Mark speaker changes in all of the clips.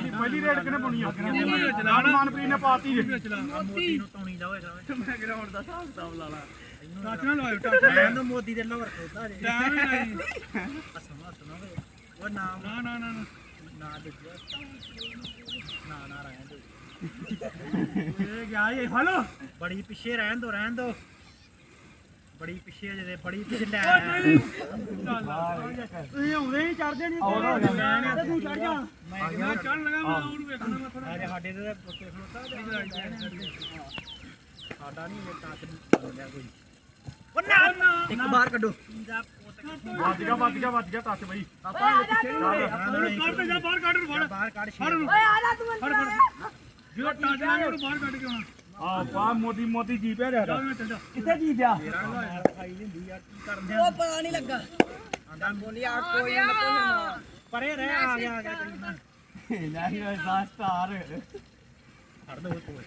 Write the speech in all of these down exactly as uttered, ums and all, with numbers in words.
Speaker 1: ਪਹਿਲੀ ਰੇਡ ਕਿਨੇ ਪਾਉਣੀ ਆ ਜਲਾਨ ਮਨਪ੍ਰੀਤ ਨੇ ਪਾਤੀ
Speaker 2: ਮੋਦੀ ਨੂੰ ਤੌਣੀ ਲਾਓ ਇਹਦਾ
Speaker 1: ਮੈਂ ਗਰਾਊਂਡ ਦਾ ਹਿਸਾਬ ਕਿਤਾਬ ਲਾ ਲਾ
Speaker 2: ਟੱਚ ਨਾ ਲਾਓ ਟੱਚ ਲੈਣ ਮੋਦੀ ਦੇ ਲੋਰ ਖੋਦਾ ਜੇ
Speaker 1: ਟਾਈਮ ਹੀ ਨਹੀਂ
Speaker 2: ਸੁਣੋ ਸੁਣੋ ਉਹ ਨਾਮ
Speaker 1: ਨਾ ਨਾ ਨਾ
Speaker 2: ਨਾ ਦੇ ਨਾ ਨਾ ਰਹਿਣ ਦੋ ਇਹ ਗਿਆ ਇਹ ਫੜੋ ਬੜੀ ਪਿੱਛੇ ਰਹਿਣ ਦੋ ਰਹਿਣ ਦੋ ਬੜੀ ਪਿੱਛੇ ਜਿਹਦੇ ਬੜੀ ਪਿੱਛੇ ਲੈ ਤੁਸੀਂ ਆਉਂਦੇ ਹੀ ਚੜਦੇ ਨਹੀਂ ਤੇ ਤੂੰ ਚੜ ਜਾ
Speaker 1: ਮੈਂ ਚੜਨ ਲਗਾ ਮੈਂ ਉਹਨੂੰ ਵੇਖਣਾ ਮੈਂ ਥੋੜਾ
Speaker 2: ਅਰੇ ਸਾਡੇ ਤੇ ਪੁੱਤੇ ਖਲੋਤਾ ਸਾਡਾ ਨਹੀਂ ਇਹ ਟੱਚ ਬੋਲਿਆ ਕੋਈ ਉਹ ਨਾ ਇੱਕ ਬਾਹਰ ਕੱਢੋ
Speaker 1: ਵੱਜ ਗਿਆ ਵੱਜ ਗਿਆ ਵੱਜ ਗਿਆ ਟੱਚ ਬਈ ਆਪਾਂ ਕੱਢ ਜਾ ਬਾਹਰ ਕੱਢ ਨੂੰ ਫੜ
Speaker 2: ਬਾਹਰ ਕੱਢ
Speaker 1: ਫੜ ਨੂੰ
Speaker 3: ਓਏ ਆ ਜਾ ਤੂੰ
Speaker 1: ਫੜ ਫੜ ਜਿਹੜਾ ਟੱਚ ਲਾਂਗੇ ਉਹਨੂੰ ਬਾਹਰ ਕੱਢ ਕੇ ਆਉਣਾ ਆ ਪਾ ਮੋਦੀ ਮੋਦੀ ਜੀ ਪਿਆ ਰਿਹਾ
Speaker 2: ਕਿੱਥੇ ਜੀ ਪਿਆ ਖਾਈ ਲੈਂਦੀ ਯਾਰ ਕੀ ਕਰਦੇ
Speaker 3: ਉਹ ਪਤਾ ਨਹੀਂ ਲੱਗਾ
Speaker 2: ਆਂਦਾ ਬੋਲੀ ਆ ਕੋਈ ਨਾ ਪਰੇ ਰਹਿ ਆ ਗਿਆ ਆ ਗਿਆ ਕੋਈ ਨਾ
Speaker 1: ਨਹੀਂ ਓਏ ਸਾਹ ਸਟਾਰ
Speaker 2: ਫੜ ਦੋ ਕੋਈ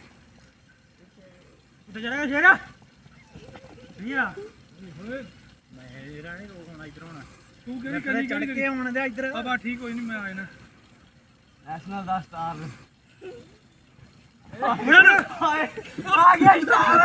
Speaker 2: ਉੱਤੇ ਚੜੇਗਾ ਸ਼ੇਰਾ ਵੀਰਾ ਮੈਂ ਰਾਣੀ ਰੋਕ ਆਉਣਾ ਇਧਰ ਆਉਣਾ
Speaker 1: ਤੂੰ ਕਿਹੜੀ
Speaker 2: ਕਰੀ ਚੜ ਕੇ ਆਉਣ ਦੇ ਇਧਰ
Speaker 1: ਆ ਬਾ ਠੀਕ ਕੋਈ ਨਹੀਂ ਮੈਂ ਆ ਜਾਣਾ
Speaker 2: ਨੈਸ਼ਨਲ ਦਾ ਸਟਾਰ
Speaker 1: ਆ ਗਿਆ ਸਟਾਰ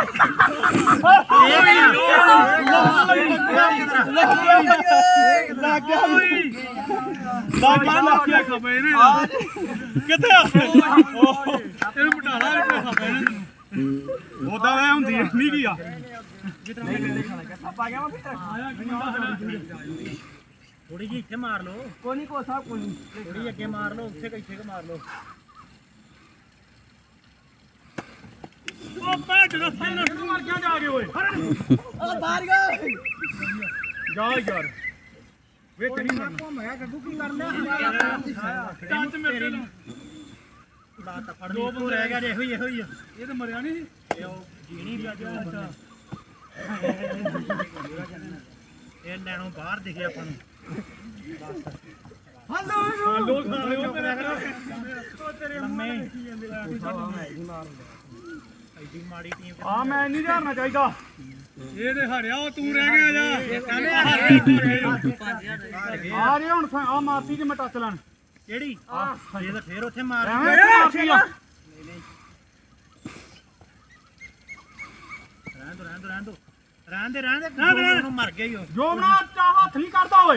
Speaker 1: ਲੱਗ ਗਿਆ ਲੱਗ ਗਿਆ ਲੱਗ ਗਿਆ ਖਬੇ ਨੇ ਕਿੱਥੇ ਇਹਨੂੰ ਮਟਾਲਾ ਵੀ ਖਬੇ ਨੇ ਉਹਦਾ ਵੇ ਹੁੰਦੀ ਨਹੀਂ ਕੀ ਆ
Speaker 2: ਥੋੜੀ ਜਿਹੀ ਇੱਥੇ ਮਾਰ ਲਓ ਕੋਈ ਨਹੀਂ ਕੋਸਾ ਕੋਈ ਨਹੀਂ ਥੋੜੀ ਅੱਗੇ ਮਾਰ ਲਓ ਉੱਥੇ ਕਿੱਥੇ ਮਾਰ ਲਓ
Speaker 1: ਉਹ ਪੈ ਜਿਹੜਾ ਸਾਹਮਣੇ ਨੂੰ ਮਰ ਗਿਆ ਜਾ ਕੇ ਓਏ
Speaker 3: ਉਹ ਬਾਹਰ ਗਿਆ
Speaker 1: ਜਾ ਯਾਰ ਵੇ ਤੇਰੀ ਮਰ
Speaker 2: ਘੁੰਮ ਗਿਆ ਗੱਗੂ ਕੀ ਕਰ ਲਿਆ
Speaker 1: ਟੱਚ ਮੇਰੇ ਨੂੰ
Speaker 2: ਬਾਤ ਫੜ ਦੋ ਬੋ ਰਹਿ ਗਿਆ ਇਹੋ ਹੀ ਇਹੋ ਹੀ
Speaker 1: ਇਹ ਤਾਂ ਮਰਿਆ ਨਹੀਂ
Speaker 2: ਇਹ ਉਹ ਜੀਣੀ ਵੀ ਅੱਜ ਇਹ ਲੈਣੋਂ ਬਾਹਰ ਦਿਖੇ ਆਪਾਂ ਨੂੰ
Speaker 1: ਹਾਂ ਲੋਕ ਖਾ ਰਹੇ ਹੋ
Speaker 2: ਉਹ ਤੇਰੇ ਲੰਮੇ ਐਡੀ ਮਾੜੀ ਟੀਮ
Speaker 1: ਆ ਮੈਂ ਨਹੀਂ ਹਾਰਨਾ ਚਾਹੀਦਾ ਇਹ ਤੇ ਹਾਰਿਆ ਉਹ ਤੂੰ ਰਹਿ ਗਿਆ ਜਾ ਆ ਰੇ ਹੁਣ ਆ ਮਾਰਤੀ ਜੇ ਮੈਂ ਟੱਚ ਲੈਣ
Speaker 2: ਕਿਹੜੀ ਇਹ ਤਾਂ ਫੇਰ ਉੱਥੇ ਮਾਰ
Speaker 1: ਐਵੇਂ ਮਾਰਤੀ ਆ
Speaker 2: ਰਹਿਣ ਦੋ ਰਹਿਣ ਦੋ ਰਹਿਣ ਦੋ ਰਹਿਣ ਦੇ ਰਹਿਣ ਦੇ ਉਹਨੂੰ ਮਰ ਗਿਆ ਹੀ ਉਹ
Speaker 1: ਜੋ ਬਣਾ ਚਾ ਹੱਥ ਨਹੀਂ ਕਰਦਾ ਓਏ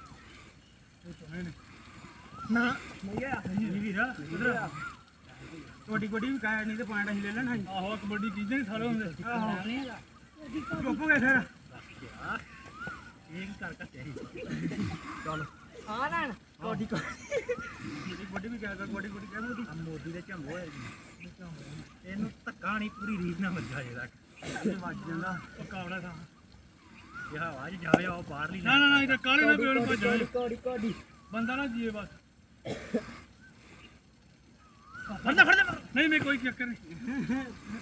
Speaker 2: ਨਾ ਮਈਆ ਨਹੀਂ ਵੀਰਾ ਉਧਰ ਕੋਡੀ ਕੋਡੀ ਵੀ ਕਾਇਆ ਨਹੀਂ ਤੇ ਪੁਆਇੰਟ ਅਸੀਂ ਲੈ ਲੈਣਾ
Speaker 1: ਆਹੋ ਕਬੱਡੀ ਚੀਜ਼ਾਂ ਹੀ ਸਾਰੇ ਹੁੰਦੇ
Speaker 2: ਆਹੋ
Speaker 1: ਚੁੱਪ ਗਏ ਫਿਰ
Speaker 2: ਇਹ ਕੀ ਕਰ ਕੱਟਿਆ
Speaker 1: ਚੱਲ
Speaker 3: ਆ ਨਾ
Speaker 2: ਕੋਡੀ ਕੋਡੀ ਕੋਡੀ ਵੀ ਕਹਿ ਕੋਡੀ ਕੋਡੀ ਕਹਿ ਮੋਦੀ ਮੋਦੀ ਦੇ ਝੰਗੋ ਹੈ ਇਹਨੂੰ ਧੱਕਾ ਨਹੀਂ ਪੂਰੀ ਰੀਤ ਨਾਲ ਵੱਜਾ ਜੇ ਤੱਕ ਇਹ ਵੱਜ ਜਾਂਦਾ
Speaker 1: ਉਹ ਕਾਵੜਾ ਸਾ
Speaker 2: ਇਹ ਹਵਾ 'ਚ ਜਾਵੇ ਉਹ ਬਾਹਰਲੀ
Speaker 1: ਨਾ ਨਾ ਨਾ ਇਹ ਤਾਂ ਕਾਲੇ ਨਾ ਪਿਓ ਨੂੰ ਭੱਜੋ
Speaker 3: ਕੋੜੀ ਕੋੜੀ
Speaker 1: ਬੰਦਾ ਨਾ ਜੀਏ ਬਸ
Speaker 2: ਫੜਦਾ ਫੜਦਾ
Speaker 1: ਨਹੀਂ ਨਹੀਂ ਕੋਈ ਚੱਕਰ ਨਹੀਂ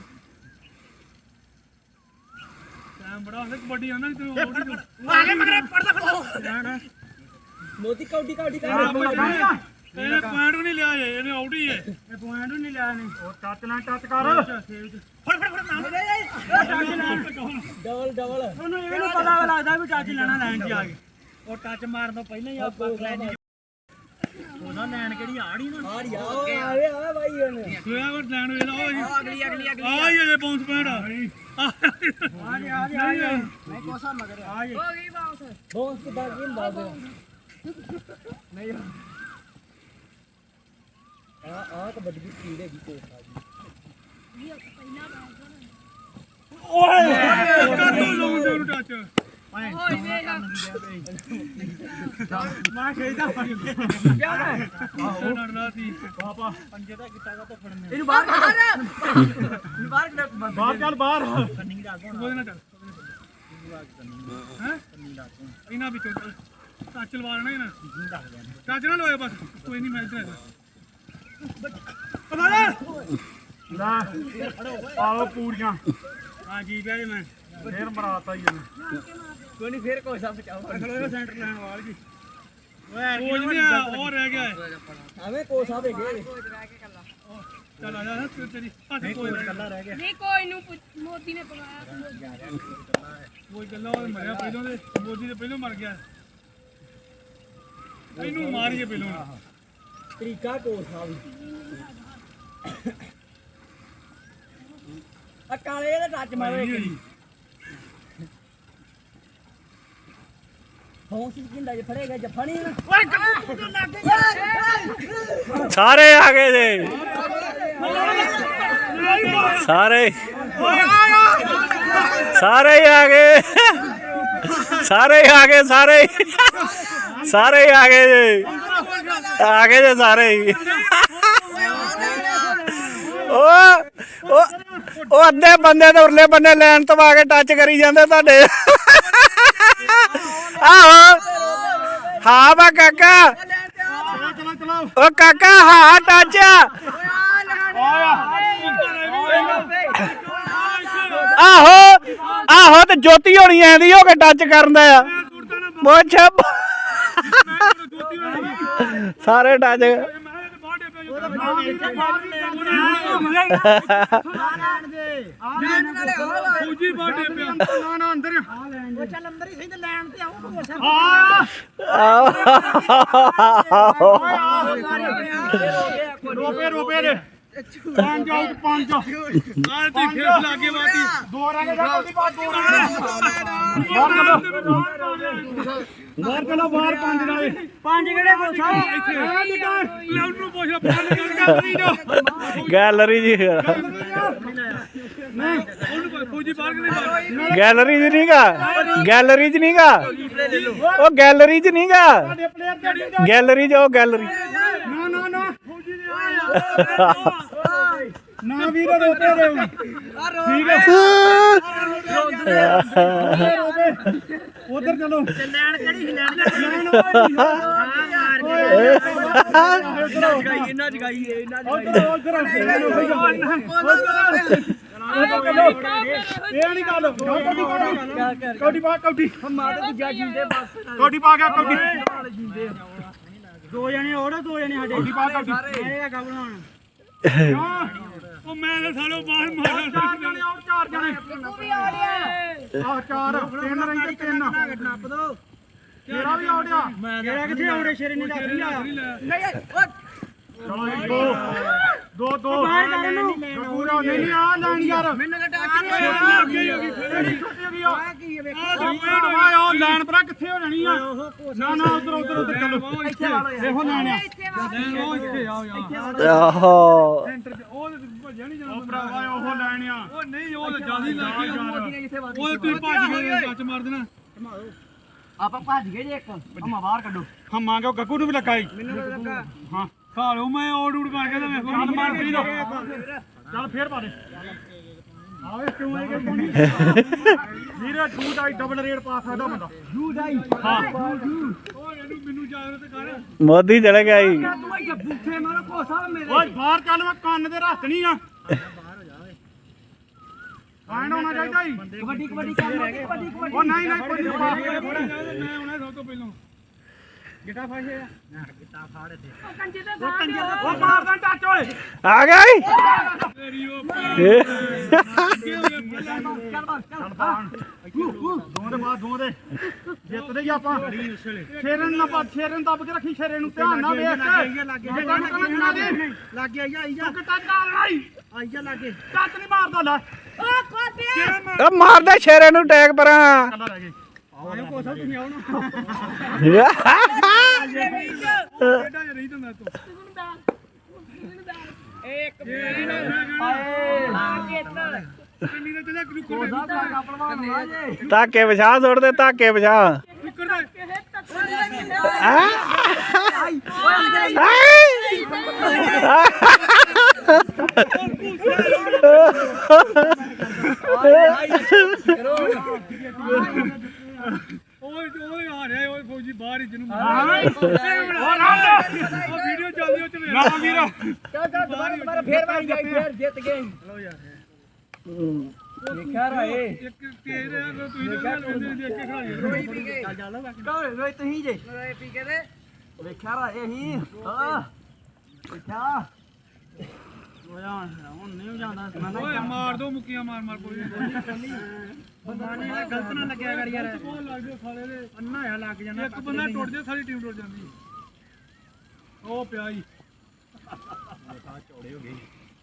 Speaker 1: ਟਾਈਮ ਬੜਾ ਹੁੰਦਾ ਕਬੱਡੀ ਆਉਂਦਾ ਨਹੀਂ ਤੈਨੂੰ ਆਉਟ ਹੀ
Speaker 2: ਆ ਗਿਆ ਮਗਰ ਫੜਦਾ ਫੜਦਾ
Speaker 3: ਮੋਦੀ ਕੋਡੀ ਕੋਡੀ
Speaker 1: ਇਹਨੇ ਪੁਆਇੰਟ ਵੀ ਨਹੀਂ ਲਿਆ ਜੇ ਇਹਨੇ ਆਊਟ ਹੀ ਹੈ
Speaker 2: ਇਹ ਪੁਆਇੰਟ ਨਹੀਂ ਲਿਆ ਨੇ
Speaker 1: ਉਹ ਟੱਚ ਨਾ ਟੱਚ ਕਰ
Speaker 2: ਫੜ ਫੜ ਫੜ ਨਾਮ
Speaker 3: ਡਬਲ ਡਬਲ
Speaker 2: ਉਹਨੂੰ ਇਹ ਨਹੀਂ ਪਤਾ ਲੱਗਦਾ ਵੀ ਟੱਚ ਲੈਣਾ ਲਾਈਨ 'ਚ ਆ ਕੇ ਉਹ ਟੱਚ ਮਾਰਨ ਤੋਂ ਪਹਿਲਾਂ ਹੀ ਆ ਬੱਕ ਲੈਣੀ ਉਹਦਾ ਲੈਣ ਕਿਹੜੀ ਆੜੀ ਨਾ
Speaker 3: ਆ ਰਿਹਾ ਆ ਰਿਹਾ ਆ ਬਾਈ ਉਹਨੇ
Speaker 1: ਸੋਇਆ ਵਰ ਲੈਣ ਵੇਲਾ ਉਹ ਜੀ
Speaker 3: ਅਗਲੀ ਅਗਲੀ ਅਗਲੀ
Speaker 1: ਆ ਇਹ ਬਾਉਂਸ ਪੁਆਇੰਟ ਆ
Speaker 2: ਆ ਗਿਆ ਆ ਗਿਆ ਆ ਗਿਆ ਮੈਂ ਕੋਸਾ ਮਗਰ ਆ ਗਿਆ
Speaker 3: ਹੋ ਗਈ ਬਾਉਂਸ ਬਾਉਂਸ ਕਿਦਾਂ ਕੀ ਹੁੰਦਾ
Speaker 2: ਨਹੀਂ
Speaker 3: ਆ ਆ ਕਬੱਡੀ ਦੀ ਕੀੜ ਹੈਗੀ ਕੋਸਾ ਜੀ
Speaker 1: ਓਏ ਕਾਟੂ ਲਾਉਂ ਦੇ ਉਹਨੂੰ ਟੱਚ
Speaker 2: ਮੈਂ ਖੇਡਦਾ
Speaker 1: ਉਹ ਲੜਦਾ ਸੀ ਪਾਪਾ
Speaker 2: ਪੰਜੇ ਦਾ ਗਿੱਟਾ ਕਾ ਤੋਂ ਫੜਨੇ
Speaker 3: ਇਹਨੂੰ ਬਾਹਰ ਇਹਨੂੰ ਬਾਹਰ ਕੱਢ
Speaker 1: ਬਾਹਰ ਚੱਲ ਬਾਹਰ
Speaker 2: ਕੰਨੀ ਦਾ ਗੋਣਾ
Speaker 1: ਉਹਦੇ ਨਾਲ ਚੱਲ ਹੈ
Speaker 2: ਕੰਨੀ ਦਾ ਗੋਣਾ
Speaker 1: ਇਹਨਾਂ ਵਿੱਚੋਂ ਟੱਚ ਲਵਾ ਲੈਣਾ ਇਹਨਾਂ
Speaker 2: ਕੰਨੀ ਦਾ ਗਿਆ
Speaker 1: ਟੱਚ ਨਾ ਲਵਾਏ ਬਸ ਕੋਈ ਨਹੀਂ ਮੈਚ ਤੇ ਕਮਾਲ ਲੈ ਆਓ ਪੂਰੀਆਂ
Speaker 2: ਹਾਂ ਜੀ ਪਿਆ ਮੈਂ
Speaker 1: ਫੇਰ ਮਰਾਤਾ ਹੀ ਇਹਨੇ
Speaker 3: ਕੋਈ ਨਹੀਂ ਫੇਰ ਕੋਸਾ ਬਚਾਓ
Speaker 1: ਖੜੋ ਸੈਂਟਰ ਲੈਣ ਵਾਲ ਜੀ
Speaker 2: ਓਏ
Speaker 1: ਕੋਚ ਨਹੀਂ ਆ ਉਹ ਰਹਿ ਗਿਆ
Speaker 3: ਐਵੇਂ ਕੋਸਾ ਵੇ ਗਏ
Speaker 1: ਚੱਲ ਆ ਜਾ ਤੇਰੀ ਹੱਥ ਕੋਈ
Speaker 2: ਕੱਲਾ ਰਹਿ ਗਿਆ
Speaker 4: ਨਹੀਂ ਕੋਈ ਨੂੰ ਪੁੱਛ- ਮੋਦੀ ਨੇ ਪਵਾਇਆ
Speaker 1: ਕੋਈ ਗੱਲਾਂ ਉਹ ਮਰਿਆ ਪਹਿਲਾਂ ਦੇ ਮੋਦੀ ਦੇ ਪਹਿਲਾਂ ਮਰ ਗਿਆ ਇਹਨੂੰ ਮਾਰੀਏ ਪਹਿਲਾਂ
Speaker 3: ਤਰੀਕਾ ਕੋਲ ਸਾਹਿਬ ਆ ਕਾਲੇ ਦਾ ਟੱਚ ਮਾਰੋ ਇੱਕ ਫੋਨ ਸੀ ਕਿੰਦਾ ਜੇ ਫੜੇਗਾ ਜੱਫਾ ਨਹੀਂ ਨਾ
Speaker 5: ਸਾਰੇ ਆ ਗਏ ਜੀ ਸਾਰੇ ਸਾਰੇ ਹੀ ਆ ਗਏ ਸਾਰੇ ਹੀ ਆ ਗਏ ਸਾਰੇ ਸਾਰੇ ਹੀ ਆ ਗਏ ਜੀ ਆ ਗਏ ਜੀ ਸਾਰੇ ਹੀ ਉਹ ਉਹ ਉਹ ਅੱਧੇ ਬੰਦੇ ਤੇ ਉਰਲੇ ਬੰਦੇ ਲੈਣ ਤੋਂ ਆ ਕੇ ਟੱਚ ਕਰੀ ਜਾਂਦੇ ਤੁਹਾਡੇ ਆਹੋ ਹਾਂ ਵਾ ਕਾਕਾ ਉਹ ਕਾਕਾ ਹਾਂ ਟੱਚ ਆਹੋ ਆਹੋ ਤੇ ਜੋਤੀ ਹੋਣੀ ਐਂਦੀ ਹੋ ਕੇ ਟੱਚ ਕਰਨ ਦਾ ਆ ਪੁੱਛ ਸਾਰੇ ਟੱਚ
Speaker 1: ਫੌਜੀ ਬਾਡੇ ਪਿਆ ਨਾ ਨਾ ਅੰਦਰ
Speaker 3: ਉਹ ਚੱਲ ਅੰਦਰ ਹੀ ਸਹੀ ਤੇ ਲੈਣ ਤੇ ਆਉ
Speaker 1: ਰੋਪੇ ਰੋਪੇ ਦੇ ਪੰਜ ਆਊਟ ਪੰਜ ਆ ਤੇ ਖੇਡ ਲਾਗੇ ਬਾਤੀ ਦੋ ਰੰਗ ਦਾ ਕੋਈ ਬਾਤ ਦੋ ਬਾਹਰ ਚਲੋ ਬਾਹਰ ਪੰਜ ਨਾਲੇ
Speaker 3: ਪੰਜ ਕਿਹੜੇ ਕੋਲ ਸਾਹਿਬ
Speaker 1: ਇੱਥੇ ਲੈ ਉਹਨੂੰ ਪੁੱਛ ਪੰਜ ਗੈਲਰੀ ਜੋ
Speaker 5: ਗੈਲਰੀ ਜੀ
Speaker 1: ਨਹੀਂ ਉਹਨੂੰ ਫੌਜੀ ਬਾਹਰ ਕਿਵੇਂ ਬਾਹਰ
Speaker 5: ਗੈਲਰੀ ਚ ਨਹੀਂਗਾ ਗੈਲਰੀ ਚ ਨਹੀਂਗਾ ਉਹ ਗੈਲਰੀ ਚ ਨਹੀਂਗਾ
Speaker 1: ਸਾਡੇ ਪਲੇਅਰ ਜਿਹੜੀ
Speaker 5: ਗੈਲਰੀ ਚ ਉਹ ਗੈਲਰੀ
Speaker 1: ਨਾ ਨਾ ਨਾ ਫੌਜੀ ਨੇ ਆਇਆ ਨਾ ਵੀਰ ਰੋਪੇ ਦੇ ਠੀਕ ਹੈ ਉਧਰ ਚਲੋ
Speaker 3: ਲੈਣ ਕਿਹੜੀ ਸੀ ਲੈਣ ਜਗਾਈ ਇਹਨਾਂ ਜਗਾਈ ਇਹਨਾਂ
Speaker 1: ਉਧਰ ਉਧਰ ਇਹ ਨਹੀਂ ਗੱਲ ਕੌਡੀ ਪਾ ਕੌਡੀ
Speaker 3: ਮਾਤਾ ਦੀ ਜਾ ਜਿੰਦੇ ਬਸ
Speaker 1: ਕੌਡੀ ਪਾ ਗਿਆ ਕੌਡੀ
Speaker 3: ਦੋ ਜਣੇ ਹੋਰ ਦੋ ਜਣੇ ਸਾਡੇ
Speaker 1: ਕੌਡੀ ਪਾ ਕੌਡੀ
Speaker 3: ਇਹ ਹੈਗਾ ਬਣਾਉਣ
Speaker 1: ਉਹ ਮੈਂ ਤਾਂ ਸਾਲੋ ਬਾਹਰ ਮਾਰਿਆ ਚਾਰ ਜਣੇ ਆਉਟ ਚਾਰ ਜਣੇ
Speaker 4: ਉਹ ਵੀ ਆ ਰਿਹਾ
Speaker 1: ਆਹ ਚਾਰ ਤਿੰਨ ਰਹਿੰਦੇ ਤਿੰਨ
Speaker 3: ਨੱਪ ਦੋ
Speaker 1: ਤੇਰਾ ਵੀ ਆਉਟ ਆ
Speaker 3: ਜਿਹੜਾ ਕਿੱਥੇ ਆਉਣੇ ਸ਼ੇਰੇ ਨੇ ਦੱਸ ਲਿਆ
Speaker 1: ਚਲੋ ਇੱਕ ਦੋ ਦੋ ਦੋ
Speaker 3: ਬਾਹਰ ਕਰ ਇਹਨੂੰ।
Speaker 1: ਪੂਰਾ ਨਹੀਂ ਆ ਲੈਣ ਯਾਰ
Speaker 3: ਮੈਨੂੰ ਤਾਂ ਟੱਚ
Speaker 1: ਛੋਟੀ ਹੋ ਗਈ ਫੇਰ ਛੋਟੀ ਹੋ ਗਈ ਆ
Speaker 3: ਕੀ ਵੇਖ
Speaker 1: ਆ ਲੈਣ ਪਰਾ ਕਿੱਥੇ ਹੋ ਜਾਣੀ ਆ ਨਾ ਨਾ ਉਧਰ ਉਧਰ ਉਧਰ ਚਲੋ
Speaker 3: ਇੱਥੇ ਵਾਲੋ ਯਾਰ
Speaker 1: ਇਹੋ ਲੈਣ ਆ
Speaker 4: ਇੱਥੇ ਵਾ
Speaker 1: ਉਹ ਇੱਥੇ ਆਓ ਯਾਰ
Speaker 5: ਆਹੋ
Speaker 1: ਸੈਂਟਰ ਤੇ ਉਹ ਭੱਜਿਆ ਨਹੀਂ ਜਾਣਾ ਉਹ ਭਰਾਵਾ ਉਹ ਲੈਣ ਆ ਉਹ ਨਹੀਂ ਉਹ ਤਾਂ ਜਿਆਦਾ ਲੱਗ ਗਿਆ ਉਹ ਤੁਸੀਂ ਭੱਜ ਗਏ ਸੱਚ ਮਾਰ ਦੇਣਾ
Speaker 3: ਆਪਾਂ ਭੱਜ ਗਏ ਜੇ ਇੱਕ ਹਮਾ ਬਾਹਰ ਕੱਢੋ
Speaker 1: ਹਾਂ ਮੰਗੋ ਗੱਗੂ ਨੂੰ ਵੀ ਲੱਗਾ
Speaker 3: ਮੈਨੂੰ ਲੱਗਾ
Speaker 1: ਹਾਂ ਖਾ ਲਓ ਮੈਂ ਔੜ ਉੜ ਪਾ ਕੇ ਤਾਂ ਮੈਂ ਚੱਲ ਮਾਰ ਕਰੀ ਦੋ ਚੱਲ ਫੇਰ ਪਾ ਦੇ ਆਵੇ ਕਿਉਂ ਆਏਗਾ ਕੋਣੀ ਵੀਰੇ ਛੂਟ ਆਈ ਡਬਲ ਰੇਡ ਪਾ ਸਕਦਾ ਬੰਦਾ
Speaker 3: ਜੂ ਜਾਈ
Speaker 1: ਹਾਂ ਉਹ ਇਹਨੂੰ ਮੈਨੂੰ ਜਾਗਰਤ ਕਰ
Speaker 5: ਮੋਦੀ ਚਲੇ ਗਿਆ ਜੀ
Speaker 3: ਤੂੰ ਇਹ ਬੁੱਥੇ ਮਾਰੋ ਕੋਸਾ ਮੇਰੇ
Speaker 1: ਓਏ ਬਾਹਰ ਚੱਲ ਮੈਂ ਕੰਨ ਦੇ ਰੱਖਣੀ ਆ ਆਣ ਹੋਣਾ ਚਾਹੀਦਾ ਹੀ
Speaker 3: ਕਬੱਡੀ ਕਬੱਡੀ ਕਰ ਲੋ ਕਬੱਡੀ ਕਬੱਡੀ
Speaker 1: ਉਹ ਨਹੀਂ ਨਹੀਂ ਕੋਈ ਪਾ ਕੇ ਮੈਂ ਹੁਣੇ ਸਭ ਤੋਂ ਪਹਿਲਾਂ ਗਿੱਟਾ ਫਾਸ਼ੇ
Speaker 3: ਨਾ ਕਿਤਾ ਫਾੜ ਦੇ
Speaker 4: ਉਹ ਕੰਜੇ ਦਾ
Speaker 3: ਉਹ ਕੰਜਰ ਦਾ
Speaker 1: ਉਹ ਮਾਰਦਾ ਟੱਚ ਓਏ
Speaker 5: ਆ ਗਿਆ ਜੀ
Speaker 1: ਤੇਰੀ ਉਹ
Speaker 3: ਚੱਲ ਬਸ ਚੱਲ
Speaker 1: ਦੋ ਦੇ ਬਾਅਦ ਦੋ ਦੇ ਜਿੱਤਦੇ ਹੀ ਆਪਾਂ ਸ਼ੇਰਨ ਨਾ ਪਾ ਸ਼ੇਰਨ ਦੱਬ ਕੇ ਰੱਖੀ ਸ਼ੇਰੇ ਨੂੰ ਧਿਆਨ ਨਾਲ ਵੇਖ
Speaker 3: ਲੱਗ ਗਿਆ ਲੱਗ ਗਿਆ ਆਈ ਜਾ
Speaker 1: ਤੂੰ ਟੱਚ ਆ ਲੜਾਈ
Speaker 3: ਆਈ ਜਾ ਲੱਗੇ
Speaker 1: ਟੱਚ ਨਹੀਂ ਮਾਰਦਾ ਲੈ
Speaker 4: ਉਹ ਖੋਤੇ
Speaker 5: ਉਹ ਮਾਰਦਾ ਸ਼ੇਰੇ ਨੂੰ ਟੈਗ ਪਰਾਂ
Speaker 1: ਕੱਲਾ ਰਹਿ ਗਏ
Speaker 3: ਆਇਓ ਕੋਸਾ ਤੁਸੀਂ ਆਓ ਨਾ
Speaker 1: ਕਿਹੜਾ ਜਿਹਾ ਰਹੀ ਤੂੰ ਤੂੰ
Speaker 4: ਤੈਨੂੰ ਦਾ ਤੈਨੂੰ ਦਾ
Speaker 3: ਇੱਕ
Speaker 4: ਆ ਕੇ ਇੱਧਰ
Speaker 1: ਕਿੰਨੀ ਦਾ ਚੱਲਿਆ ਕਰੂ
Speaker 3: ਕੋਸਾ ਦਾ ਪਹਿਲਵਾਨ ਆ ਜੇ
Speaker 5: ਧਾਕੇ ਵਿਛਾ ਸੁੱਟਦੇ ਧਾਕੇ ਵਿਛਾ
Speaker 1: ਕੁੱਕਰ ਦੇ
Speaker 4: ਇਹ ਤੱਕ ਨਹੀਂ
Speaker 3: ਆਈ ਓਏ
Speaker 1: ਓਏ ਓਏ ਆ ਰਿਹਾ ਓਏ ਫੌਜੀ ਬਾਹਰ ਹੀ ਜਿਹਨੂੰ ਮਾਰ ਉਹ ਵੀਡੀਓ ਚੱਲਦੀ ਉਹ ਚ ਵੇਖ ਨਾ ਵੀਰ
Speaker 3: ਚੱਲ ਚੱਲ ਦੁਬਾਰਾ ਦੁਬਾਰਾ ਫੇਰ ਵਾਰੀ ਜਾਈ ਫੇਰ ਜਿੱਤ ਗਏ
Speaker 1: ਲੋ ਯਾਰ
Speaker 3: ਦੇਖਿਆ ਰਾਏ
Speaker 1: ਇੱਕ ਤੇਰੇ ਤੁਸੀਂ ਦੇ ਦੇਖ ਕੇ ਖਾ
Speaker 3: ਰੋਈ ਪੀ ਗਏ ਚੱਲ ਚੱਲ ਰੋਈ ਤੁਸੀਂ ਜੇ ਰੋਈ ਪੀ ਕੇ ਦੇ ਵੇਖਿਆ ਰਾਏ ਹੀ ਹਾਂ ਵੇਖਿਆ ਹੋਇਆ ਹੁਣ ਨਹੀਂ ਜਾਂਦਾ
Speaker 1: ਓਏ ਮਾਰ ਦੋ ਮੁੱਕੀਆਂ ਮਾਰ ਮਾਰ ਕੋਈ
Speaker 3: ਬੰਦਾਨੇ ਦਾ ਗਲਤ ਨਾ ਲੱਗਿਆ ਕਰ ਯਾਰ
Speaker 1: ਬਹੁਤ ਲੱਗ ਗਿਆ ਸਾਲੇ ਦੇ
Speaker 3: ਅੰਨਾ ਹੋਇਆ ਲੱਗ ਜਾਂਦਾ
Speaker 1: ਇੱਕ ਬੰਦਾ ਟੁੱਟ ਜਾ ਸਾਰੀ ਟੀਮ ਟੁੱਟ ਜਾਂਦੀ ਉਹ ਪਿਆ ਜੀ
Speaker 2: ਹੋ ਗਏ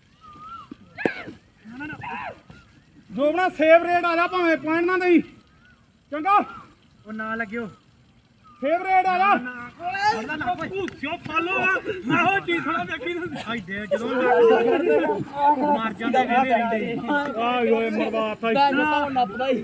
Speaker 1: ਜੋ ਬਣਾ ਸੇਵ ਰੇਟ ਆ ਜਾ ਭਾਵੇਂ ਪੁਆਇੰਟ ਨਾ ਦੇਈ ਚੰਗਾ
Speaker 2: ਉਹ ਨਾ ਲੱਗਿਓ
Speaker 1: ਸੇਵ ਰੇਟ ਆ ਜਾ
Speaker 2: ਉਹ
Speaker 1: ਭੂਸਿਓ ਫਾਲੋ ਮੈਂ ਉਹ ਚੀਜ਼ ਥੋੜਾ ਦੇਖੀ ਨਾ
Speaker 2: ਆਈ ਦੇ ਜਦੋਂ ਮਾਰ ਜਾਂਦੇ ਕਹਿੰਦੇ ਰਹਿੰਦੇ
Speaker 1: ਆਏ ਓਏ ਮਰਵਾਤਾ
Speaker 3: ਮੈਂ ਤਾਂ ਨੱਪਦਾ ਹੀ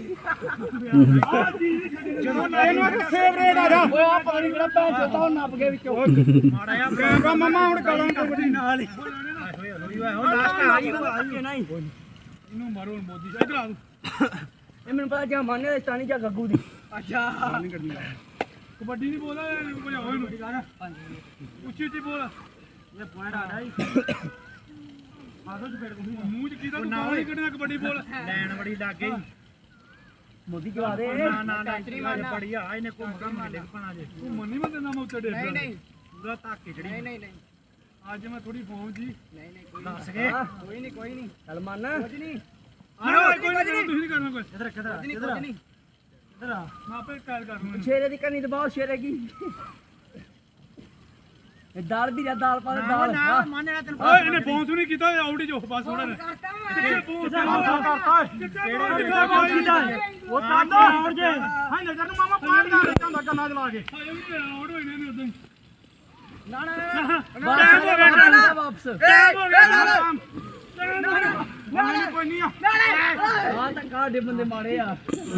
Speaker 1: ਜਦੋਂ ਨਾ ਇਹਨੂੰ ਆਖਿਆ ਸੇਵ ਰੇਟ ਆ ਜਾ
Speaker 3: ਓਏ ਆ ਪਤਾ ਨਹੀਂ ਕਿਹੜਾ ਭੈਣ ਚੋਦਾ ਨੱਪ ਕੇ ਵਿੱਚੋਂ
Speaker 2: ਮਾੜਾ ਜਿਹਾ
Speaker 1: ਕਹਿੰਦਾ ਮਮਾ ਹੁਣ ਕਰਾਂ ਕਬੱਡੀ
Speaker 2: ਨਾਲ ਹੀ ਹੋਏ ਹੋਏ ਹੋਏ ਹੁਣ ਲਾਸਟ ਆ ਗਈ
Speaker 3: ਆਈ ਨਹੀਂ
Speaker 1: ਇਹਨੂੰ ਮਾਰੋ ਮੋਦੀ ਸਾਹਿਬ ਇਧਰ ਆ ਤੂੰ
Speaker 3: ਇਹ ਮੈਨੂੰ ਪਤਾ ਜਾਂ ਮਾਨੇ ਦਾ ਸਤਾਨੀ ਜਾਂ ਗੱਗੂ ਦੀ ਅੱਛਾ
Speaker 1: ਨਹੀਂ ਕਰਨੀ ਕਬੱਡੀ ਨਹੀਂ ਬੋਲਦਾ ਕੋਈ ਹੋਏ ਨੂੰ ਉੱਚੀ ਉੱਚੀ ਬੋਲ
Speaker 2: ਇਹ ਪੁਆਇੰਟ ਆ ਰਹੀ ਆਦੋ ਚ ਫੇਰ
Speaker 1: ਮੂੰਹ ਚ ਕੀਤਾ ਤੂੰ ਨਾਲ ਹੀ ਕੱਢਣਾ ਕਬੱਡੀ ਬੋਲ
Speaker 2: ਲੈਣ ਬੜੀ ਲੱਗ ਗਈ
Speaker 3: ਮੋਦੀ ਜਵਾ ਦੇ
Speaker 2: ਨਾ ਨਾ ਨਾ ਬੜੀ ਆ ਇਹਨੇ ਘੁੰਮ ਘੁੰਮ ਕੇ ਡਿੱਗ ਪਣਾ ਜੇ
Speaker 1: ਤੂੰ ਮੰਨੀ ਮੈਂ ਤੇਨਾਂ ਮੈਂ ਉੱਤੇ ਡੇਗ ਨਹੀਂ ਨਹੀਂ
Speaker 2: ਪੂਰਾ ਧੱਕੇ ਚੜੀ ਨਹੀਂ ਨਹੀਂ
Speaker 1: ਅੱਜ ਮੈਂ ਥੋੜੀ ਫੋਨ ਜੀ
Speaker 3: ਨਹੀਂ ਨਹੀਂ ਕੋਈ
Speaker 2: ਦੱਸ ਕੇ
Speaker 3: ਕੋਈ ਨਹੀਂ ਕੋਈ ਨਹੀਂ ਚੱਲ ਮੰਨ ਕੁਝ ਨਹੀਂ
Speaker 1: ਆਹ ਕੋਈ ਨਹੀਂ ਤੁਸੀਂ ਨਹੀਂ ਕਰਨਾ ਕੋਈ
Speaker 2: ਇਧਰ ਕਿਧਰ ਇਧਰ
Speaker 3: ਨਹੀਂ
Speaker 2: ਇਧਰ ਆ
Speaker 1: ਮੈਂ ਆਪੇ ਕਾਲ ਕਰ ਲੂੰਗਾ
Speaker 3: ਸ਼ੇਰੇ ਦੀ ਕੰਨੀ ਦਬਾਓ ਸ਼ੇਰੇ ਕੀ ਇਹ ਦਾਲ ਵੀ ਜਾਂ ਦਾਲ ਪਾ ਦੇ
Speaker 2: ਨਾ
Speaker 3: ਦਾਲ
Speaker 2: ਨਾ ਮੰਨ ਲੈ ਤੈਨੂੰ
Speaker 1: ਓਏ ਇਹਨੇ ਬੌਂਸ ਨਹੀਂ ਕੀਤਾ ਆਊਟ ਹੀ ਜੋ ਬਸ ਥੋੜਾ ਨੇ ਕਿੱਥੇ ਬੌਂਸ ਕਰਤਾ ਕਿਹੜੇ
Speaker 2: ਉਹ ਕਾਟਾ ਹੋਰ ਜੇ
Speaker 1: ਹਾਂ ਨਜ਼ਰ ਨੂੰ ਮਾਮਾ ਪਾੜ ਦਾ ਜਾਂਦਾ ਕੰਨਾਂ ਚ ਲਾ ਕੇ ਆਊਟ ਹੋਏ ਨੇ ਉਦੋਂ
Speaker 3: ਨਾ ਨਾ
Speaker 1: ਟਾਈਮ ਹੋ ਗਿਆ
Speaker 3: ਨਾ ਵਾਪਸ
Speaker 1: ਟਾਈਮ ਹੋ ਗਿਆ ਨਾ ਕੋਈ ਨਹੀਂ ਆ
Speaker 3: ਆ ਤਾਂ ਕਾਡੇ ਬੰਦੇ ਮਾਰੇ ਆ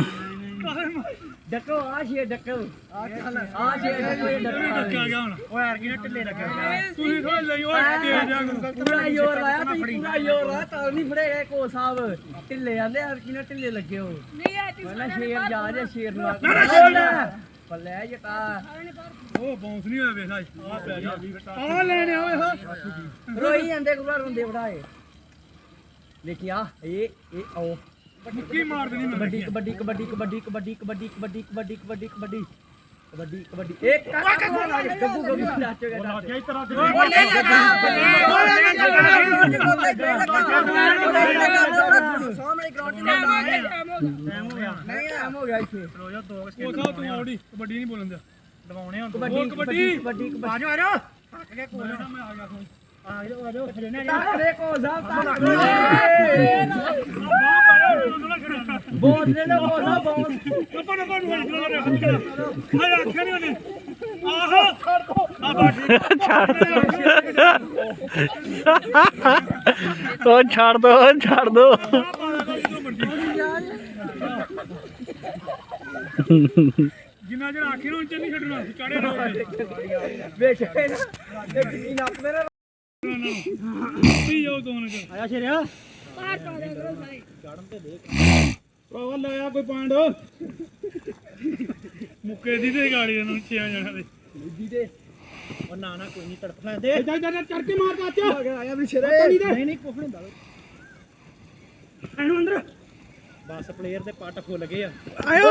Speaker 3: ਡੱਕੋ ਆ ਸ਼ੇ ਡੱਕੋ ਆ ਸ਼ੇ ਕੋਈ ਡੱਕੋ
Speaker 1: ਆ ਗਿਆ ਹੁਣ
Speaker 2: ਓਏ ਯਾਰ ਕਿਨੇ ਢਿੱਲੇ ਲੱਗਿਆ
Speaker 1: ਤੁਸੀਂ ਥੋੜਾ ਲਈ ਓਏ ਤੇਜ਼ ਜਾ
Speaker 3: ਪੂਰਾ ਜ਼ੋਰ ਲਾਇਆ ਤੁਸੀਂ ਪੂਰਾ ਜ਼ੋਰ ਲਾਇਆ ਤਾਂ ਨਹੀਂ ਫੜੇ ਗਏ ਕੋ ਸਾਹਿਬ ਢਿੱਲੇ ਆਂਦੇ ਯਾਰ ਕਿਨੇ ਢਿੱਲੇ ਲੱਗੇ ਹੋ
Speaker 4: ਨਹੀਂ ਆ ਤੀ
Speaker 3: ਪਹਿਲਾਂ ਸ਼ੇਰ ਜਾ ਜੇ ਸ਼ੇਰ ਨੂੰ ਪੱਲੇ ਜਟਾ
Speaker 1: ਉਹ ਬਾਉਂਸ ਨਹੀਂ ਹੋਇਆ ਵੇਖ ਲੈ ਆ ਪੈ ਗਿਆ ਆ ਲੈਣੇ ਓਏ ਹਾਂ
Speaker 3: ਰੋਈ ਜਾਂਦੇ ਗੁਰਾ ਰੋਂਦੇ ਵੜਾਏ ਦੇਖਿਆ ਇਹ ਇਹ ਆਓ
Speaker 1: ਮੁੱਕੀ ਮਾਰ ਦੇਣੀ ਮੈਂ
Speaker 3: ਕਬੱਡੀ ਕਬੱਡੀ ਕਬੱਡੀ ਕਬੱਡੀ ਕਬੱਡੀ ਕਬੱਡੀ ਕਬੱਡੀ ਕਬੱਡੀ ਕਬੱਡੀ ਕਬੱਡੀ ਕਬੱਡੀ ਕਬੱਡੀ ਇੱਕ ਗੱਗੂ ਗੱਗੂ ਨਾਚ ਗਿਆ ਨਾਚ
Speaker 1: ਗਿਆ ਇਤਰਾ
Speaker 3: ਸਾਹਮਣੇ ਗਰਾਊਂਡ
Speaker 2: ਟਾਈਮ ਹੋ ਗਿਆ
Speaker 3: ਨਹੀਂ ਟਾਈਮ ਹੋ ਗਿਆ ਇੱਥੇ
Speaker 2: ਰੋ ਜਾ ਦੋ
Speaker 1: ਉਹ ਸਾਹਿਬ ਤੂੰ ਆਉੜੀ ਕਬੱਡੀ ਨਹੀਂ ਬੋਲਣ ਦਿਆ
Speaker 2: ਦਵਾਉਣੇ ਹੁਣ
Speaker 3: ਕਬੱਡੀ ਕਬੱਡੀ ਕਬੱਡੀ
Speaker 2: ਆ ਜਾ ਆ ਜਾ ਥੱਕ ਗਿਆ ਕੋਲ
Speaker 1: ਮੈਂ ਆ ਗਿਆ ਫੋਨ
Speaker 2: ਆ ਜਾ ਆ ਜਾ ਖੜੇ ਨੇ
Speaker 3: ਤਾਕੜੇ ਕੋ ਸਾਹਿਬ
Speaker 1: ਬਾਹ ਪਾਇਆ ਉਹਨੂੰ ਨਾ ਖੜਾ
Speaker 3: ਬੋਲ ਦੇ ਨਾ ਕੋ ਸਾਹਿਬ ਬੋਲ
Speaker 1: ਆਪਾਂ ਨਾ ਕੋਣ ਹੋਈ ਜਿਹੜਾ ਹੱਥ ਕਰਾ ਮੈਂ ਆਖਿਆ ਨਹੀਂ ਉਹਨੇ ਆਹੋ ਆ
Speaker 5: ਉਹ ਛੱਡ ਦੋ ਛੱਡ ਦੋ
Speaker 1: ਜਿੰਨਾ ਜਿਹੜਾ ਆਖੀ ਨੂੰ ਉੱਚੇ ਨਹੀਂ ਛੱਡਣਾ ਚਾੜੇ ਨਾ
Speaker 3: ਵੇਖ ਇਹ ਕਿੰਨੀ ਨੱਪ ਮੇਰਾ
Speaker 1: ਪੀ ਜਾਓ ਦੋਨ ਚ
Speaker 2: ਆਇਆ ਸ਼ੇਰਿਆ
Speaker 4: ਪਾਰ ਪਾ ਦੇ ਕਰੋ ਸਾਈ
Speaker 1: ਭਰਾਵਾ ਲਾਇਆ ਕੋਈ ਪਾਂਡ ਮੁੱਕੇ ਦੀ ਤੇ ਗਾੜੀ ਨੂੰ ਛਿਆ ਜਾਣਾ ਦੇ
Speaker 3: ਬੁੱਧੀ ਦੇ
Speaker 2: ਉਹ ਨਾ ਨਾ ਕੋਈ ਨਹੀਂ ਤੜਪ ਲੈਂਦੇ
Speaker 1: ਇੱਧਰ ਇੱਧਰ ਚੜ ਕੇ ਮਾਰ ਚਾਚਾ
Speaker 3: ਆਇਆ ਵੀ ਸ਼ੇਰੇ
Speaker 2: ਨਹੀਂ ਨਹੀਂ ਕੁਝ ਨਹੀਂ ਹੁੰਦਾ
Speaker 1: ਇਹਨੂੰ ਅੰਦਰ
Speaker 2: ਬਸ ਪਲੇਅਰ ਦੇ ਪੱਟ ਫੁੱਲ ਗਏ ਆ
Speaker 1: ਆਇਓ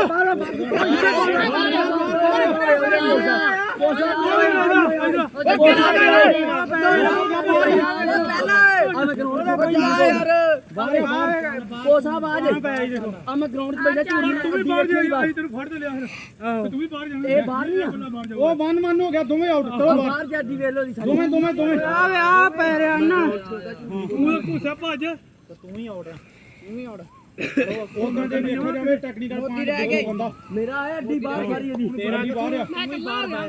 Speaker 3: ਕੋ ਸਾਹਿਬ ਆ ਜਾ ਆ ਮੈਂ ਗਰਾਊਂਡ 'ਚ ਬੈਠਾ ਝੂੜੀ
Speaker 1: ਤੂੰ ਵੀ ਬਾਹਰ ਜਾ ਤੈਨੂੰ ਫੜ ਤੇ ਲਿਆ ਫਿਰ ਤੂੰ ਵੀ ਬਾਹਰ ਜਾਣਾ
Speaker 3: ਇਹ ਬਾਹਰ ਨਹੀਂ ਆ
Speaker 1: ਉਹ ਵਨ ਮਨ ਹੋ ਗਿਆ ਦੋਵੇਂ ਆਊਟ ਚਲੋ ਬਾਹਰ
Speaker 3: ਬਾਹਰ ਜਾਂਦੀ ਵੇਲੋ ਦੀ ਸਾਡੀ
Speaker 1: ਦੋਵੇਂ ਦੋਵੇਂ ਦੋਵੇਂ
Speaker 3: ਆ ਵੇ ਆ ਪੈ ਰਿਆ ਨਾ
Speaker 1: ਤੂੰ ਘੁੱਸਾ ਭੱਜ
Speaker 2: ਤੂੰ ਹੀ ਆਉਟ
Speaker 3: ਤੂੰ ਹੀ ਆਉੜ
Speaker 1: ਉਹ ਕਹਿੰਦੇ ਦੇਖਿਆ ਜਾਵੇ ਟੈਕਨੀਕਲ ਪੁਆਇੰਟ ਬੰਦਾ
Speaker 3: ਮੇਰਾ ਆਇਆ ਅੱਡੀ ਬਾਹਰ ਸਾਰੀ ਇਹਦੀ
Speaker 1: ਤੇਰਾ ਵੀ ਬਾਹਰ ਆ
Speaker 4: ਮੈਂ ਬਾਹਰ ਆ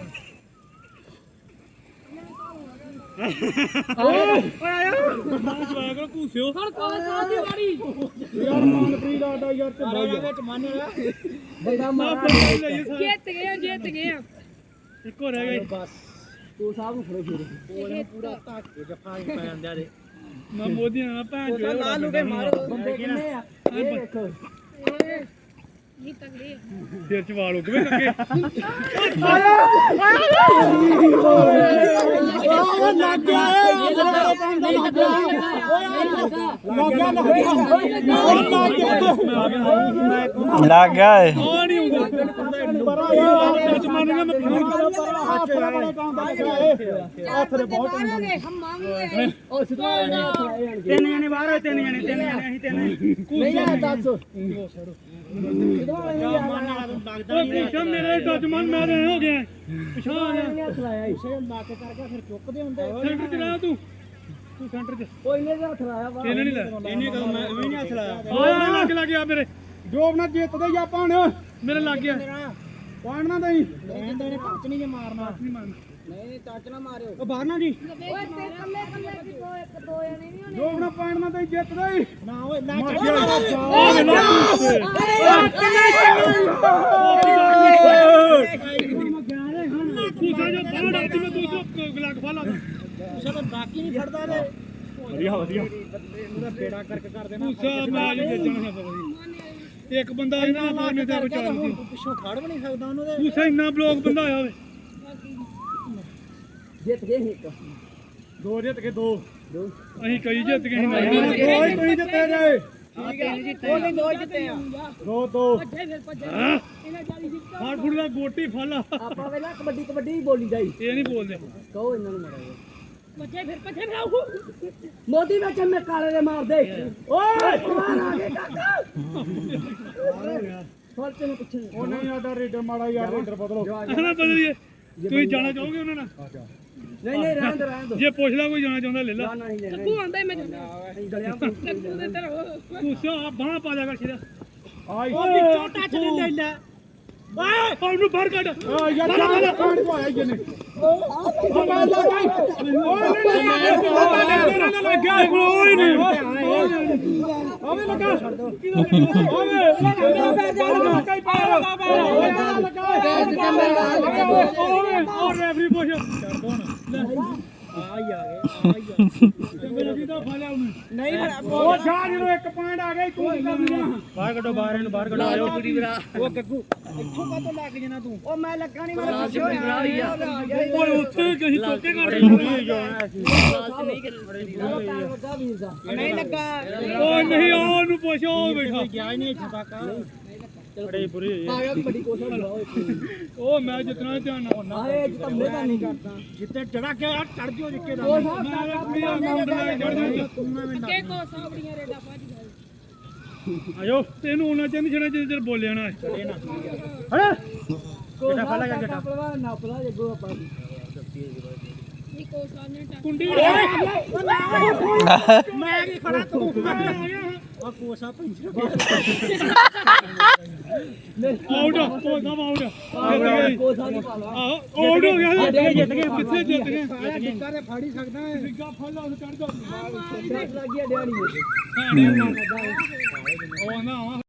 Speaker 1: ਓਏ ਆਇਆ ਮਾਂ ਜਵਾਇਆ ਕਰੋ ਘੁੱਸਿਓ
Speaker 4: ਹੁਣ ਕੋਲ ਸਾਹ ਦੀ ਵਾਰੀ
Speaker 1: ਯਾਰ ਮਨਪ੍ਰੀਤ ਆਡਾ ਯਾਰ ਤੇ ਬਾਈ
Speaker 2: ਵਿੱਚ ਮੰਨ ਰਿਹਾ
Speaker 3: ਬੰਦਾ ਮਾਰਾ
Speaker 1: ਲਈਏ ਸਾਰੇ
Speaker 4: ਜਿੱਤ ਗਏ ਜਿੱਤ ਗਏ
Speaker 1: ਇੱਕੋ ਰਹਿ ਗਈ
Speaker 2: ਬਸ
Speaker 3: ਕੋ ਸਾਹਿਬ ਨੂੰ ਫੜੋ ਫਿਰ
Speaker 2: ਕੋਲੇ ਪੂਰਾ ਧੱਕੇ ਜਫਾ ਹੀ ਪੈ ਜਾਂਦੇ ਆ ਦੇ
Speaker 1: ਮੈਂ ਮੋਦੀ ਨਾਲ ਭੈਣ ਜੋ
Speaker 3: ਲਾ ਲੂ ਕੇ ਮਾਰੋ ਬੰਦੇ ਕਿੰਨੇ ਆ ਇਹ ਦੇਖੋ
Speaker 4: ਨਹੀਂ ਤਗੜੇ
Speaker 1: ਸਿਰ ਚ ਵਾਲ ਉੱਗ ਵੇ ਲੱਗੇ
Speaker 3: ਲੱਗ ਗਿਆ
Speaker 5: ਲੱਗ ਗਿਆ ਏ
Speaker 1: ਆ ਨਹੀਂ ਹੁੰਦਾ ਪਰ ਆ ਵਿੱਚ ਮੰਨ ਗਿਆ ਮੈਂ ਫੋਨ ਕਰਾਂ ਪਰ ਹੱਥ ਦਾ ਬੜਾ ਕੰਮ ਦਾ ਲੱਗਿਆ ਹੱਥ ਦੇ ਬਹੁਤ
Speaker 4: ਮਾਰਾਂਗੇ ਹਮਾਂ ਵੀ
Speaker 3: ਉਹ ਸਿੱਧਾ
Speaker 1: ਤਿੰਨ ਜਣੇ ਬਾਹਰ ਹੋਏ ਤਿੰਨ ਜਣੇ ਤਿੰਨ ਜਣੇ ਅਸੀਂ ਤਿੰਨ
Speaker 3: ਨਹੀਂ ਆ ਦੱਸ
Speaker 1: ਉਹ ਪਿੱਛੇ ਮੇਰੇ ਦੁਸ਼ਮਣ ਮੈਂ ਰਹਿ ਹੋ ਗਿਆ ਪਿਛਾ ਆ ਗਿਆ
Speaker 3: ਚਲਾਇਆ
Speaker 2: ਇਸੇ ਲੱਕ ਕਰ ਗਿਆ ਫਿਰ ਚੁੱਕਦੇ ਹੁੰਦੇ
Speaker 1: ਸੈਂਟਰ ਚ ਰਹਿ ਤੂੰ ਤੂੰ ਸੈਂਟਰ 'ਚ
Speaker 3: ਕੋਈ ਨੇ ਹੱਥ ਲਾਇਆ ਵਾ
Speaker 1: ਇਹਨੇ ਨਹੀਂ ਲੈ
Speaker 2: ਇਹਨੇ ਕਦੋਂ ਮੈਂ ਵੀ ਨਹੀਂ ਹੱਥ ਲਾਇਆ
Speaker 1: ਉਹ ਲੱਗ ਲੱਗ ਗਿਆ ਮੇਰੇ ਜੋਬ ਨਾਲ ਜਿੱਤਦੇ ਜਾਂ ਪਾਣ ਮੇਰੇ ਲੱਗ ਗਿਆ ਪਾਣ ਨਾ ਦਈ
Speaker 2: ਕਹਿੰਦੇ ਨੇ ਪੱਚ ਨਹੀਂ ਜੇ ਮਾਰਨਾ
Speaker 1: ਨਹੀਂ ਮੰਨ
Speaker 3: ਨਹੀਂ ਨਹੀਂ ਟੱਚ ਨਾ ਮਾਰਿਓ
Speaker 2: ਉਹ ਬਾਹਰ ਨਾ ਜੀ
Speaker 4: ਓਏ ਤੇ ਕੱਲੇ ਕੱਲੇ ਕੀ ਦੋ ਇੱਕ ਦੋ ਜਣੇ ਨਹੀਂ ਹੋਣੇ
Speaker 1: ਜੋਬ ਨਾਲ ਪਾਣ ਨਾ ਦਈ ਜਿੱਤਦੇ ਹੀ
Speaker 2: ਨਾ ਓਏ ਨਾ
Speaker 1: ਮਾਰ
Speaker 2: ਚੱਲ
Speaker 1: ਗਿਆ ਤੂੰ ਸਾਜੋ ਬਾਹਰ ਆਤੀ ਮੈਂ ਤੂੰ ਗਲਾਕ ਫਾਲਾ
Speaker 2: ਉਸੇ ਤਾਂ ਬਾਕੀ ਨਹੀਂ ਫੜਦਾ ਨੇ
Speaker 1: ਵਧੀਆ ਵਧੀਆ
Speaker 2: ਉਹਦਾ ਬੇੜਾ ਕਰਕੇ ਕਰ ਦੇਣਾ
Speaker 1: ਉਸਾ ਮੈਚ ਵੇਚਣਾ ਹੈ ਵਧੀਆ ਇੱਕ ਬੰਦਾ ਇਹਨਾਂ ਬੋਲਨੇ ਤੇ ਵਿਚਾਰ ਸੀ
Speaker 2: ਪਿੱਛੋਂ ਖੜ ਵੀ ਨਹੀਂ ਸਕਦਾ ਉਹਨੂੰ ਤੇ
Speaker 1: ਉਸਾ ਇੰਨਾ ਬਲੌਗ ਬੰਦਾ ਆਇਆ ਵੇ
Speaker 3: ਜਿੱਤ ਗਏ ਸੀ ਇੱਕ
Speaker 1: ਦੋ ਜਿੱਤ ਕੇ ਦੋ
Speaker 3: ਦੋ
Speaker 1: ਅਸੀਂ ਕਈ ਜਿੱਤ ਗਏ ਸੀ ਦੋ ਹੀ ਤੁਸੀਂ ਜਿੱਤੇ ਗਏ
Speaker 3: ਉਹ ਨਹੀਂ ਦੋ ਜਿੱਤੇ ਆ
Speaker 1: ਦੋ ਦੋ
Speaker 4: ਭੱਜੇ ਫਿਰ ਭੱਜੇ
Speaker 1: ਹਾਂ
Speaker 4: ਇਹਨਾਂ ਜਾਲੀ ਜਿੱਤਾ
Speaker 1: ਫਾੜ ਫੁੜ ਦਾ ਗੋਟੀ ਫਾਲਾ
Speaker 3: ਆਪਾਂ ਵੇਲਾ ਕਬੱਡੀ ਕਬੱਡੀ ਹੀ ਬੋਲੀ ਜਾਈ
Speaker 1: ਇਹ ਨਹੀਂ ਬੋਲਦੇ
Speaker 3: ਕਹੋ ਇਹਨਾਂ ਨੂੰ ਮਾਰਾ
Speaker 4: ਭੱਜੇ ਫਿਰ ਭੱਜੇ ਫਿਰ ਆਉ
Speaker 3: ਮੋਦੀ ਵਿੱਚ ਮੈਂ ਕਾਲੇ ਦੇ ਮਾਰ ਦੇ ਓਏ ਮਾਰ ਆ ਗਏ ਕਾਕਾ ਫੜ ਤੈਨੂੰ ਪਿੱਛੇ
Speaker 1: ਉਹ ਨਹੀਂ ਸਾਡਾ ਰੇਡਰ ਮਾੜਾ ਯਾਰ ਰੇਡਰ ਬਦਲੋ ਨਾ ਬਦਲੀਏ ਤੁਸੀਂ ਜਾਣਾ ਚਾਹੋਗੇ ਉਹਨਾਂ ਨਾਲ
Speaker 3: ਨਹੀਂ ਨਹੀਂ ਰਹਿਣ ਦੇ ਰਹਿਣ ਦੇ
Speaker 1: ਜੇ ਪੁੱਛ ਲਾ ਕੋਈ ਜਾਣਾ ਚਾਹੁੰਦਾ ਲੈ ਲਾ
Speaker 3: ਨਾ ਨਹੀਂ ਲੈਣਾ
Speaker 4: ਤੂੰ ਆਂਦਾ ਮੈਂ
Speaker 3: ਗਲਿਆਂ ਤੋਂ
Speaker 4: ਤੇ ਤੇਰਾ
Speaker 1: ਤੂੰ ਸਿਆ ਬਾਹ ਪਾ ਜਾ ਕਰ ਸਿਰਾ ਆਈ
Speaker 2: ਉਹ ਵਿੱਚੋਂ ਟੱਚ ਨਹੀਂ ਲੈ ਲੈ
Speaker 1: ਓਏ ਉਹਨੂੰ ਬਾਹਰ ਕੱਢ ਓ ਯਾਰ ਜਾ ਕਾਂਡ ਕੋ ਆਇਆ ਜਨੇ ਉਹ ਮੈਂ ਲਾ ਗਈ ਓਏ ਨਹੀਂ ਨਹੀਂ ਲੱਗਿਆ ਕੋਈ ਨਹੀਂ ਆਵੇ ਲੱਗਾ ਆਵੇ ਲੱਗਾ ਕਈ ਪਾਰ ਲੱਗਾ ਓਏ ਓ ਰੈਫਰੀ ਪੁੱਛ ਛੱਡ ਦੋ ਨਾ
Speaker 2: ਆ ਹੀ ਆ ਗਏ ਆ ਹੀ ਆ ਗਏ
Speaker 1: ਮੇਰਾ ਕਿਦਾ ਫਾਲਿਆ ਉਹਨੇ
Speaker 2: ਨਹੀਂ
Speaker 1: ਉਹ ਜਾ ਜਦੋਂ ਇੱਕ ਪੁਆਇੰਟ ਆ ਗਿਆ ਤੂੰ ਕਰ ਲਿਆ
Speaker 2: ਬਾਹਰ ਕੱਢੋ ਬਾਹਰ ਇਹਨੂੰ ਬਾਹਰ ਕੱਢੋ ਆਇਓ ਉਹ ਗੱਗੂ ਇੱਥੋਂ ਕਾਹਤੋਂ ਲੱਗ ਜਣਾ ਤੂੰ
Speaker 3: ਉਹ ਮੈਂ ਲੱਗਾ ਨਹੀਂ ਮੈਂ ਪਿੱਛੇ ਹੋਇਆ
Speaker 1: ਓਏ ਉੱਥੇ ਕਹੀਂ ਤੋਕੇ ਕਰ
Speaker 3: ਲੱਗਾ ਵੀਰ ਦਾ
Speaker 2: ਨਹੀਂ ਲੱਗਾ
Speaker 1: ਓ ਨਹੀਂ ਉਹਨੂੰ ਪੁੱਛ ਉਹ ਬੈਠਾ
Speaker 2: ਗਿਆ ਹੀ ਨਹੀਂ ਇੱਥੇ ਤੱਕ ਬੜੇ ਬੁਰੇ
Speaker 3: ਆ ਗਿਆ ਕਬੱਡੀ ਕੋਸ਼ਾ ਲਾਓ
Speaker 1: ਉਹ ਮੈਂ ਜਿਤਨਾ ਧਿਆਨ ਨਾਲ
Speaker 3: ਆਏ ਜਿੱਤ ਮੇਰਾ ਨਹੀਂ ਕਰਦਾ
Speaker 2: ਜਿੱਤੇ ਚੜਾ ਕੇ ਆ ਚੜ ਜਿਓ ਜਿੱਕੇ ਦਾ
Speaker 3: ਉਹ ਸਾਹਿਬ ਕਾਕਾ
Speaker 1: ਮੇਰਾ ਮਾਉਂਟ ਲੈ ਚੜ ਜਾ
Speaker 4: ਅੱਗੇ ਕੋ ਸਾਬੜੀਆਂ ਰੇਡਾ ਭੱਜ ਗਏ
Speaker 1: ਆਇਓ ਤੈਨੂੰ ਉਹਨਾਂ ਚੰਨ ਛਣਾ ਜਿੰਨੇ ਚਿਰ ਬੋਲਿਆ ਨਾ
Speaker 2: ਚੜੇ ਨਾ
Speaker 1: ਹੈ
Speaker 3: ਕੋਸ਼ਾ ਫਾਲਾ ਕਰ ਜੱਟਾ ਪਲਵਾ ਨਾ ਪਲਾ ਜੱਗੋ ਆਪਾਂ
Speaker 4: ਇਹ ਕੋ ਸਾਹਮਣੇ ਟੱਕ
Speaker 1: ਕੁੰਡੀ
Speaker 2: ਮੈਂ ਕੀ ਖੜਾ ਤੂੰ ਆ ਕੋਸਾ ਪੈਂਚਰ
Speaker 1: ਆਊਟ ਉਹ ਸਭ ਆਊਟ
Speaker 3: ਕੋਸ਼ਾ ਨਹੀਂ ਪਾਲਾ
Speaker 1: ਆਹੋ ਆਊਟ ਹੋ ਗਿਆ
Speaker 2: ਜਿੱਤ ਗਏ
Speaker 1: ਕਿੱਥੇ ਜਿੱਤ ਗਏ
Speaker 2: ਸਾਰਾ ਟਿੱਕਾ ਤੇ ਫਾੜੀ ਸਕਦਾ ਹੈ
Speaker 1: ਸਿੱਗਾ ਫੱਲਾ ਉਹ ਚੜ ਜਾ
Speaker 3: ਲੱਗ ਗਿਆ ਡਿਆਣੀ
Speaker 1: ਉਹ ਨਾ